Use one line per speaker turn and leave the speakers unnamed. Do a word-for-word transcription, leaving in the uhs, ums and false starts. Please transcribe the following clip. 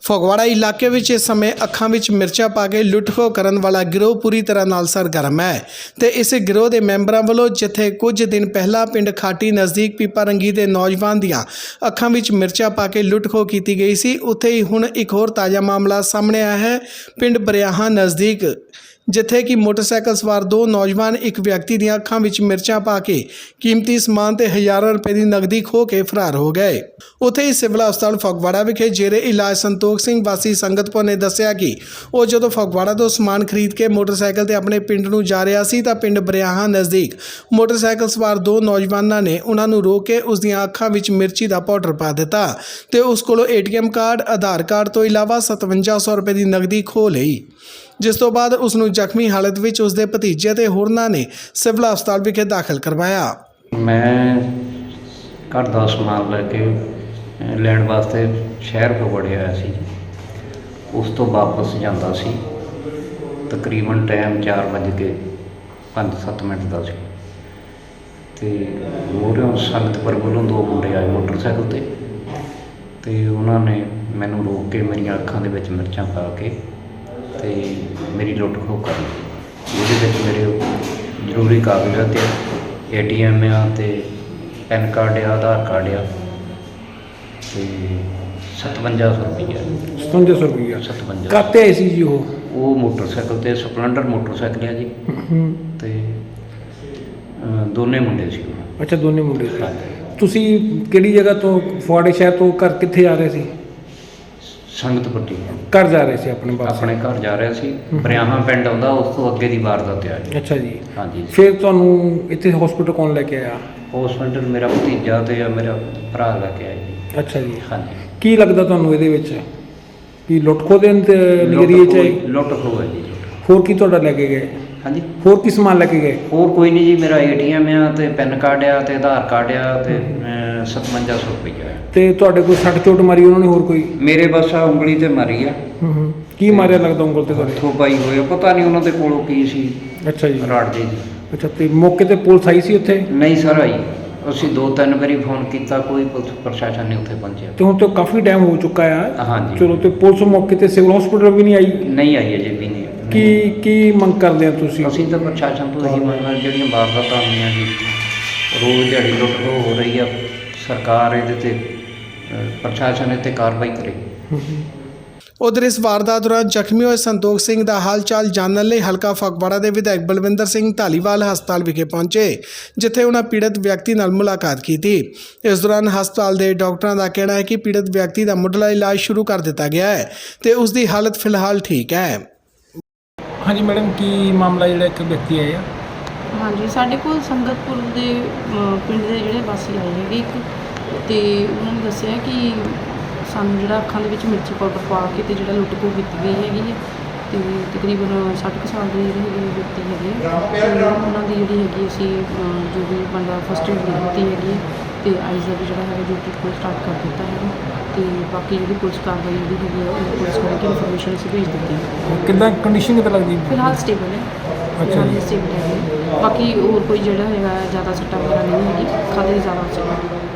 ਫਗਵਾੜਾ ਇਲਾਕੇ ਵਿੱਚ ਇਸ ਸਮੇਂ ਅੱਖਾਂ ਵਿੱਚ ਮਿਰਚਾਂ ਪਾ ਕੇ ਲੁੱਟ-ਖੋਹ ਕਰਨ ਵਾਲਾ ਗਿਰੋਹ ਪੂਰੀ ਤਰ੍ਹਾਂ ਨਾਲ ਸਰਗਰਮ ਹੈ ਤੇ ਇਸ ਗਿਰੋਹ ਦੇ ਮੈਂਬਰਾਂ ਵੱਲੋਂ ਜਿੱਥੇ ਕੁਝ ਦਿਨ ਪਹਿਲਾਂ ਪਿੰਡ ਖਾਟੀ ਨਜ਼ਦੀਕ ਪੀਪਾਰੰਗੀ ਦੇ ਨੌਜਵਾਨ ਦੀਆਂ ਅੱਖਾਂ ਵਿੱਚ ਮਿਰਚਾਂ ਪਾ ਕੇ ਲੁੱਟ-ਖੋਹ ਕੀਤੀ ਗਈ ਸੀ, ਉੱਥੇ ਹੀ ਹੁਣ ਇੱਕ ਹੋਰ ਤਾਜ਼ਾ ਮਾਮਲਾ ਸਾਹਮਣੇ ਆਇਆ ਹੈ। ਪਿੰਡ ਬਰਿਆਹਾਂ ਨਜ਼ਦੀਕ ਜਿੱਥੇ ਕਿ ਮੋਟਰਸਾਈਕਲ ਸਵਾਰ ਦੋ ਨੌਜਵਾਨ ਇੱਕ ਵਿਅਕਤੀ ਦੀਆਂ ਅੱਖਾਂ ਵਿੱਚ ਮਿਰਚਾਂ ਪਾ ਕੇ ਕੀਮਤੀ ਸਮਾਨ ਤੇ ਹਜ਼ਾਰਾਂ ਰੁਪਏ ਦੀ ਨਕਦੀ ਖੋਹ ਕੇ ਫਰਾਰ ਹੋ ਗਏ। ਉੱਥੇ ਹੀ ਸਿਵਲ ਹਸਪਤਾਲ ਫਗਵਾੜਾ ਵਿਖੇ ਜੇਰੇ ਇਲਾਜ ਸੰਤੋਖ ਸਿੰਘ ਵਾਸੀ ਸੰਗਤਪੁਰ ਨੇ ਦੱਸਿਆ ਕਿ ਉਹ ਜਦੋਂ ਫਗਵਾੜਾ ਤੋਂ ਸਮਾਨ ਖਰੀਦ ਕੇ ਮੋਟਰਸਾਈਕਲ ਤੇ ਆਪਣੇ ਪਿੰਡ ਨੂੰ ਜਾ ਰਿਹਾ ਸੀ ਤਾਂ ਪਿੰਡ ਬਰਿਆਹਾਂ ਨਜ਼ਦੀਕ ਮੋਟਰਸਾਈਕਲ ਸਵਾਰ ਦੋ ਨੌਜਵਾਨਾਂ ਨੇ ਉਹਨਾਂ ਨੂੰ ਰੋਕ ਕੇ ਉਸ ਦੀਆਂ ਅੱਖਾਂ ਵਿੱਚ ਮਿਰਚੀ ਦਾ ਪਾਊਡਰ ਪਾ ਦਿੱਤਾ ਤੇ ਉਸ ਕੋਲੋਂ ਏਟੀਐਮ ਕਾਰਡ, ਆਧਾਰ ਕਾਰਡ ਤੋਂ ਇਲਾਵਾ ਸਤਵੰਜਾ ਸੌ ਰੁਪਏ ਦੀ ਨਕਦੀ ਖੋਹ ਲਈ, ਜਿਸ ਤੋਂ ਬਾਅਦ ਉਸ ਨੂੰ ਜ਼ਖਮੀ ਹਾਲਤ ਵਿੱਚ ਉਸ ਦੇ ਭਤੀਜੇ ਤੇ ਹੋਰਨਾਂ ਨੇ ਸਿਵਲ ਹਸਪਤਾਲ ਵਿਖੇ ਦਾਖਲ ਕਰਵਾਇਆ।
ਮੈਂ ਘਰ ਦਾ ਸਮਾਨ ਲੈ ਕੇ ਲੈਣ ਵਾਸਤੇ ਸ਼ਹਿਰ ਫਗਵਾੜੇ ਆਇਆ ਸੀ। ਉਸ ਤੋਂ ਵਾਪਸ ਜਾਂਦਾ ਸੀ, ਤਕਰੀਬਨ ਟਾਈਮ ਚਾਰ ਵੱਜ ਕੇ ਪੰਜ ਸੱਤ ਮਿੰਟ ਦਾ ਸੀ ਤੇ ਮੋਹਰਿਓਂ ਸੰਗਤਪੁਰ ਵੱਲੋਂ ਦੋ ਮੁੰਡੇ ਆਏ ਮੋਟਰਸਾਈਕਲ ਤੇ ਤੇ ਉਹਨਾਂ ਨੇ ਮੈਨੂੰ ਰੋਕ ਕੇ ਮੇਰੀਆਂ ਅੱਖਾਂ ਦੇ ਵਿੱਚ ਮਿਰਚਾਂ ਪਾ ਕੇ ਤੇ ਮੇਰੀ ਲੁੱਟ ਖੋਹ ਕਰ ਲਈ। ਇਹਦੇ ਵਿੱਚ ਮੇਰੇ ਜ਼ਰੂਰੀ ਕਾਗਜ਼ਾਤ ਏ ਟੀ ਐਮ ਆ ਤੇ ਪੈਨ ਕਾਰਡ ਆ, ਆਧਾਰ ਕਾਰਡ ਆ ਤੇ ਸਤਵੰਜਾ ਸੌ ਰੁਪਈਆ
ਸਤਵੰਜਾ ਸੌ ਰੁਪਈਆ
ਸਤਵੰਜਾ
ਕਾਹਤੇ ਆਏ ਸੀ ਜੀ? ਉਹ
ਉਹ ਮੋਟਰਸਾਈਕਲ ਤੇ ਸਪਲੈਂਡਰ ਮੋਟਰਸਾਈਕਲ ਆ ਜੀ ਤੇ ਅ, ਦੋਨੇ ਮੁੰਡੇ ਸੀ ਉਹ।
ਅੱਛਾ, ਦੋਨੇ ਮੁੰਡੇ ਸੀ। ਤੁਸੀਂ ਕਿਹੜੀ ਜਗ੍ਹਾ ਤੋਂ, ਫਗਵਾੜੇ ਸ਼ਹਿਰ ਤੋਂ ਘਰ ਕਿੱਥੇ ਜਾ ਰਹੇ ਸੀ?
ਸੰਗਤਪੁਰ ਜੀ
ਘਰ ਜਾ ਰਹੇ ਸੀ ਆਪਣੇ ਪਾਸ?
ਆਪਣੇ ਘਰ ਜਾ ਰਿਹਾ ਸੀ। ਬਰਿਆਹਾਂ ਪਿੰਡ ਆਉਂਦਾ, ਉਸ ਤੋਂ ਅੱਗੇ ਦੀ ਵਾਰਦਾਤ ਆ ਜੀ।
ਅੱਛਾ ਜੀ।
ਹਾਂਜੀ।
ਫਿਰ ਤੁਹਾਨੂੰ ਇੱਥੇ ਹਸਪੀਟਲ ਕੌਣ ਲੈ ਕੇ ਆਇਆ?
ਹਸਪੀਟਲ ਮੇਰਾ ਭਤੀਜਾ ਤੇ ਮੇਰਾ ਭਰਾ ਲੈ ਕੇ ਆਇਆ ਜੀ।
ਅੱਛਾ ਜੀ।
ਹਾਂਜੀ।
ਕੀ ਲੱਗਦਾ ਤੁਹਾਨੂੰ ਇਹਦੇ ਵਿੱਚ ਕਿ ਲੁੱਟ ਖੋਹ ਦੇ ਨਜ਼ਰੀਏ 'ਚ ਆਈ?
ਲੁੱਟ ਖੋਹ ਹੈ ਜੀ।
ਹੋਰ ਕੀ ਤੁਹਾਡਾ ਲੈ ਕੇ ਗਏ?
ਹਾਂਜੀ।
ਹੋਰ ਕੀ ਸਮਾਨ ਲੈ ਕੇ ਗਏ?
ਹੋਰ ਕੋਈ ਨਹੀਂ ਜੀ, ਮੇਰਾ ਏ ਟੀ ਐਮ ਆ ਤੇ ਪੈਨ ਕਾਰਡ ਆ ਤੇ ਆਧਾਰ ਕਾਰਡ ਆ ਤੇ ਸਤਵੰਜਾ ਸੌ ਰੁਪਈਆ।
ਤੇ ਤੁਹਾਡੇ ਕੋਈ ਸੱਟ ਚੋਟ ਮਾਰੀ ਉਹਨਾਂ ਨੇ? ਹੋਰ ਕੋਈ?
ਮੇਰੇ ਬਸ ਆ ਉਂਗਲੀ ਤੇ ਮਾਰੀ ਆ।
ਹੂੰ ਹੂੰ। ਕੀ ਮਾਰਿਆ ਲੱਗਦਾ ਉਂਗਲ ਤੇ ਤੁਹਾਡੇ?
ਹੱਥੋਂ ਪਾਈ ਹੋਇਆ, ਪਤਾ ਨਹੀਂ ਉਹਨਾਂ ਦੇ ਕੋਲੋਂ ਕੀ ਸੀ।
ਅੱਛਾ ਜੀ।
ਰਾੜ ਜੀ।
ਅੱਛਾ, ਤੇ ਮੌਕੇ ਤੇ ਪੁਲਿਸ ਆਈ ਸੀ ਉੱਥੇ?
ਨਹੀਂ ਸਰ ਆਈ, ਅਸੀਂ ਦੋ ਤਿੰਨ ਵਾਰੀ ਫੋਨ ਕੀਤਾ, ਕੋਈ ਪੁਲਿਸ ਪ੍ਰਸ਼ਾਸਨ ਨਹੀਂ ਉੱਥੇ ਪਹੁੰਚਿਆ।
ਤੇ ਹੁਣ ਤਾਂ ਕਾਫੀ ਟਾਈਮ ਹੋ ਚੁੱਕਾ ਆ।
ਹਾਂਜੀ।
ਚਲੋ, ਤੇ ਪੁਲਿਸ ਮੌਕੇ ਤੇ ਸਿਵਲ ਹਸਪੀਟਲ ਵੀ ਨਹੀਂ ਆਈ?
ਨਹੀਂ ਆਈ ਅਜੇ ਵੀ ਨਹੀਂ।
ਕੀ ਕੀ ਮੰਗ ਕਰਦੇ ਆ ਤੁਸੀਂ?
ਅਸੀਂ ਤਾਂ ਪ੍ਰਸ਼ਾਸਨ ਤੋਂ ਇਹੀ ਮੰਗਾਂ, ਜਿਹੜੀਆਂ ਵਾਰਦਾਤਾਂ ਹੋਈਆਂ ਜੀ, ਰੋਜ਼ ਦਿਹਾੜੀ ਲੁੱਟ ਖੋਹ ਹੋ ਰਹੀ ਆ, ਸਰਕਾਰ ਇਹਦੇ ਤੇ ਅ, ਪ੍ਰਸ਼ਾਸਨ ਇਹ 'ਤੇ ਕਾਰਵਾਈ ਕਰੇ।
ਉਧਰ ਇਸ ਵਾਰਦਾਤ ਦੌਰਾਨ ਜ਼ਖਮੀ ਹੋਏ ਸੰਤੋਖ ਸਿੰਘ ਦਾ ਹਾਲ ਚਾਲ ਜਾਣਨ ਲਈ ਹਲਕਾ ਫਗਵਾੜਾ ਦੇ ਵਿਧਾਇਕ ਬਲਵਿੰਦਰ ਸਿੰਘ ਧਾਲੀਵਾਲ ਹਸਪਤਾਲ ਵਿਖੇ ਪਹੁੰਚੇ, ਜਿੱਥੇ ਉਹਨਾਂ ਪੀੜਤ ਵਿਅਕਤੀ ਨਾਲ ਮੁਲਾਕਾਤ ਕੀਤੀ। ਇਸ ਦੌਰਾਨ ਹਸਪਤਾਲ ਦੇ ਡਾਕਟਰਾਂ ਦਾ ਕਹਿਣਾ ਹੈ ਕਿ ਪੀੜਤ ਵਿਅਕਤੀ ਦਾ ਮੁੱਢਲਾ ਇਲਾਜ ਸ਼ੁਰੂ ਕਰ ਦਿੱਤਾ ਗਿਆ ਹੈ ਤੇ ਉਸ ਦੀ ਹਾਲਤ ਫਿਲਹਾਲ ਠੀਕ ਹੈ।
ਹਾਂਜੀ ਮੈਡਮ, ਕੀ ਮਾਮਲਾ ਜਿਹੜਾ ਇੱਕ ਵਿਅਕਤੀ ਆਇਆ?
ਹਾਂਜੀ, ਸਾਡੇ ਕੋਲ ਸੰਗਤਪੁਰ ਦੇ ਅ, ਪਿੰਡ ਦੇ ਜਿਹੜੇ ਵਾਸੀ ਆਏ ਹੈਗੇ ਇੱਕ, ਤੇ ਉਹਨਾਂ ਨੇ ਦੱਸਿਆ ਕਿ ਸਾਨੂੰ ਜਿਹੜਾ ਅੱਖਾਂ ਦੇ ਵਿੱਚ ਮਿਰਚੀ ਪਾਊਡਰ ਪਾ ਕੇ ਤੇ ਜਿਹੜਾ ਲੁੱਟ ਖੋਹ ਕੀਤੀ ਗਈ ਹੈਗੀ ਹੈ ਤੇ ਤਕਰੀਬਨ ਸੱਠ ਕੁ ਸਾਲ ਦੇ ਜਿਹੜੇ ਹੈਗੇ ਵਿਅਕਤੀ ਹੈਗੇ ਤੇ ਉਹਨਾਂ ਦੀ ਜਿਹੜੀ ਹੈਗੀ ਅਸੀਂ ਅ, ਜੋ ਵੀ ਬਣਦਾ ਫਸਟ ਏਡ ਦਿੱਤੀ ਹੈਗੀ ਹੈ ਤੇ ਆਈਜ਼ ਦਾ ਵੀ ਜਿਹੜਾ ਹੈਗਾ ਜੋ ਟ੍ਰੀਟਮੈਂਟ ਸਟਾਰਟ ਕਰ ਦਿੱਤਾ ਹੈਗਾ ਤੇ ਬਾਕੀ ਜਿਹੜੀ ਪੁਲਿਸ ਕਾਰਵਾਈ ਜਿਹੜੀ ਹੈਗੀ ਹੈ ਉਹ ਪੁਲਿਸ ਕੋਲ ਕਿ ਇਨਫੋਰਮੇਸ਼ਨ ਅਸੀਂ ਭੇਜ ਦਿੱਤੀ ਹੈ।
ਕਿੱਦਾਂ ਕੰਡੀਸ਼ਨ ਕਿੱਦਾਂ ਲੱਗਦੀ?
ਫਿਲਹਾਲ ਸਟੇਬਲ ਹੈ।
ਅੱਛਾ ਜੀ।
ਸਟੇਬਲ ਹੈ। ਬਾਕੀ ਹੋਰ ਕੋਈ ਜਿਹੜਾ ਹੈਗਾ ਜ਼ਿਆਦਾ ਸੱਟਾਂ ਵਗੈਰਾ ਨਹੀਂ ਹੈਗੀ, ਖਾਲੀ ਜ਼ਿਆਦਾ ਸੱਟਾਂ।